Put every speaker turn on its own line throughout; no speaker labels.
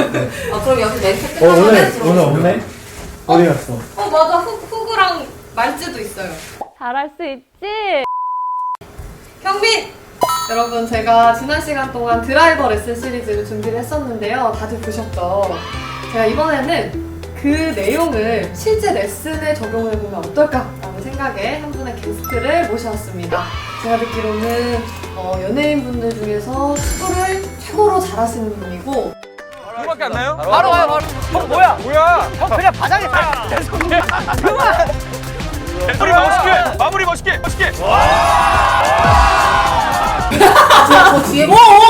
아 그럼 여기 멘트
오늘 없네? 어디 갔어?
맞아 후구랑 말지도 있어요.
잘할 수 있지?
경민! 여러분 제가 지난 시간 동안 드라이버 레슨 시리즈를 준비를 했었는데요. 다들 보셨죠? 제가 이번에는 그 내용을 실제 레슨에 적용해보면 어떨까라는 생각에 한 분의 게스트를 모셔왔습니다. 제가 듣기로는 연예인분들 중에서 축구를 최고로 잘하시는 분이고
그거밖에 안 나요?
바로 와요, 바로.
형 뭐야? 뭐야?
형 그냥 바닥에 다. 그만.
마무리 멋있게! 마무리 멋있게! 멋있게!
저 뒤에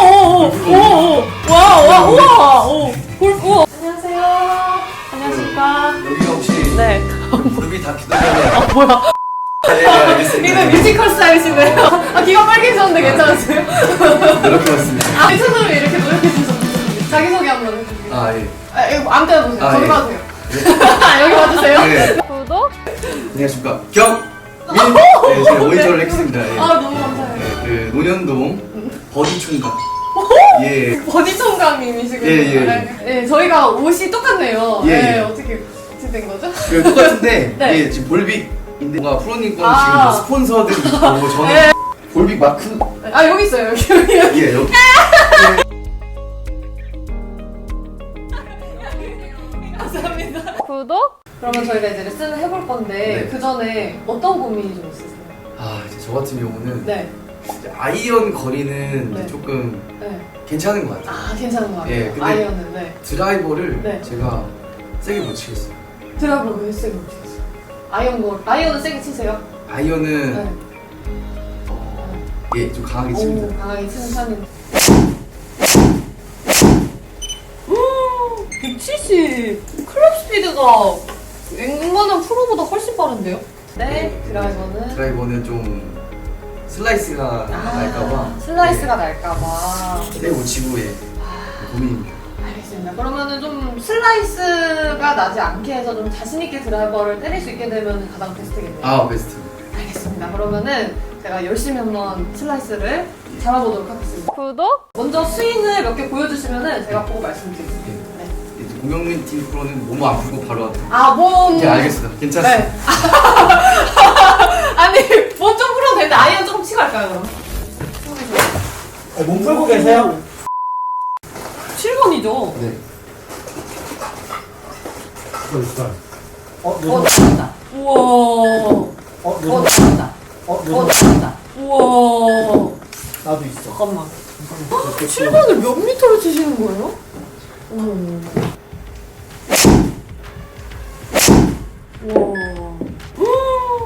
오오오오오와와 골프 안녕하세요. 안녕하십니까.
여기가 혹시
네.
무릎이 다 기다려요.
뭐야?
네, 알겠습니다.
이거 뮤지컬 스타일이시네요. 아 귀가 빨개졌는데 괜찮으세요?
이렇게 왔습니다.
괜찮으면 이렇게 노력해 주셨는데 자기소개 한번 해주세요.
아 예.
이거 아무 때나 보세요.
아,
저기
예.
봐주세요. 여기 봐주세요.
네.
구독?
안녕하십니까. 네, 제가 모니터를 했습니다. 예.
아 너무 감사해요.
네, 그 논현동 버디 총각. 예.
버디 총각님이시군요.
예, 예.
네, 저희가 옷이 똑같네요.
예,
네,
예.
어떻게 된 거죠?
그 똑같은데
네.
예, 지금 볼빅인데 뭔가 프로님 거는
아.
지금 뭐 스폰서들이 있고 저는
네.
볼빅 마크
아 여기 있어요. 여기.
예 여기.
감사합니다.
구독?
그러면 저희가 이제 레슨을 해볼 건데
네.
그 전에 어떤 고민이 좀 있으세요?
아 이제 저 같은 경우는
네.
이제 아이언 거리는
네.
이제 조금
네.
괜찮은 것 같아요.
아 괜찮은 것 같아요.
예, 근데-
아이언은 네.
드라이버를
네.
제가 세게 못 치겠어요.
드라이브를 왜 세게 못 치겠어요? 아이언은 세게 치세요?
아이언은
네.
예, 좀 강하게
오
칩니다.
강하게 치는 편인데. 170 클럽 스피드가 웬만한 프로보다 훨씬 빠른데요? 네, 드라이버는
드라이버는 좀 슬라이스가 날까봐
슬라이스가 날까봐.
세게 못 치고 예, 고민입니다.
알겠습니다. 그러면은 좀 슬라이스가 나지 않게 해서 좀 자신있게 드라이버를 때릴 수 있게 되면 가장 베스트겠네요.
아 베스트.
알겠습니다. 그러면은 제가 열심히 한번 슬라이스를 잡아보도록 하겠습니다.
구독?
먼저 스윙을 몇 개 보여주시면은 제가 보고 말씀드리겠습니다. 네.
이제 공영민 팀 프로는 몸 안 풀고 바로 왔다.
아, 몸.
예, 알겠습니다. 괜찮습니다.
네. 아니, 몸 좀 풀어도 되는데 아이언 조금 치고 할까요, 그럼?
몸 풀고 계세요?
7번이죠?
네.
잘한다. 우와. 잘한다. 잘한다. 우와.
나도 있어.
잠깐만. 7번을 몇 미터로 치시는 거예요? 어머. 우와.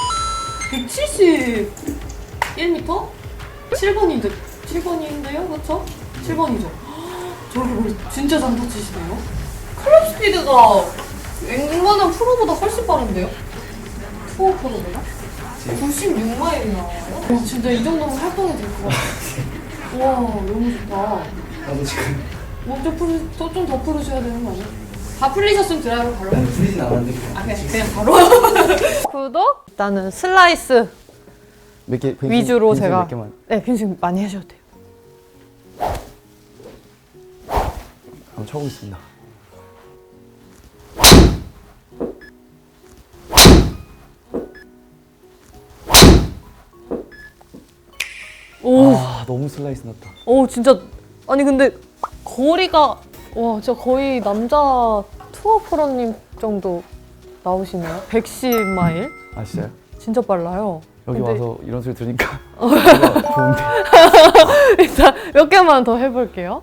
171m? 7번인데, 7번인데요? 그쵸? 7번이죠? 저렇게 머리 진짜 잘 다치시네요? 클럽 스피드가 웬만한 프로보다 훨씬 빠른데요? 투어 프로보다? 96마일이 나와요? 와, 진짜 이 정도면 활동이 될 것 같아요. 와, 너무 좋다.
나도 지금
좀 더 풀으셔야 되는 거 아니에요? 다 풀리셨으면 드라이버 바로
난 풀리진 않았는데
아, 그냥 바로?
구독?
일단은 슬라이스
몇 개,
위주로 제가
몇 개만.
네, 빈스윙 많이 하셔도 돼요.
한번 쳐보겠습니다.
오,
아, 너무 슬라이스 났다.
오 진짜 아니 근데 거리가 와 진짜 거의 남자 투어 프로님 정도 나오시네요. 110마일
아, 진짜요?
진짜 빨라요.
여기
근데-
와서 이런 소리 들으니까 뭔가 좋은데.
일단 몇 개만 더 해볼게요.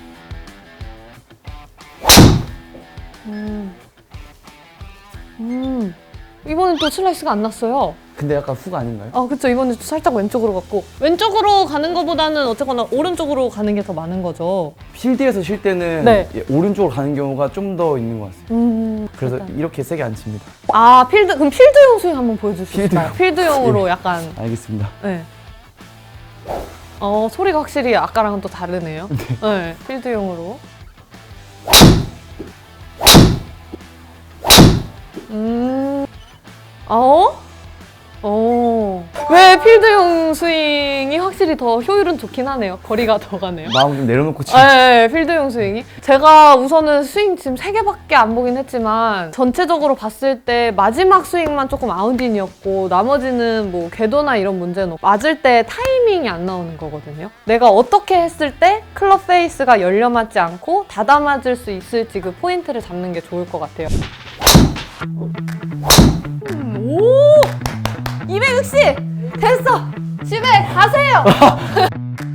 이번엔 또 슬라이스가 안 났어요.
근데 약간 훅 아닌가요?
아 그쵸, 이번엔 살짝 왼쪽으로 갔고 왼쪽으로 가는 것보다는 어쨌거나 오른쪽으로 가는 게 더 많은 거죠.
필드에서 쉴 때는
네.
예, 오른쪽으로 가는 경우가 좀 더 있는 것 같습니다. 그래서
일단.
이렇게 세게 안 칩니다.
아 그럼 필드용 스윙 한번 보여주실까요? 필드용으로
예.
약간
알겠습니다.
네. 소리가 확실히 아까랑은 또 다르네요. 네, 필드용으로. 왜 필드용 스윙이 확실히 더 효율은 좋긴 하네요. 거리가 더 가네요.
마음 좀 내려놓고 치고.
네, 필드용 스윙이. 제가 우선은 스윙 지금 3개밖에 안 보긴 했지만 전체적으로 봤을 때 마지막 스윙만 조금 아웃인이었고 나머지는 뭐 궤도나 이런 문제는 없고 맞을 때 타이밍이 안 나오는 거거든요. 내가 어떻게 했을 때 클럽 페이스가 열려 맞지 않고 닫아 맞을 수 있을지 그 포인트를 잡는 게 좋을 것 같아요. 오! 260! 됐어! 집에 가세요!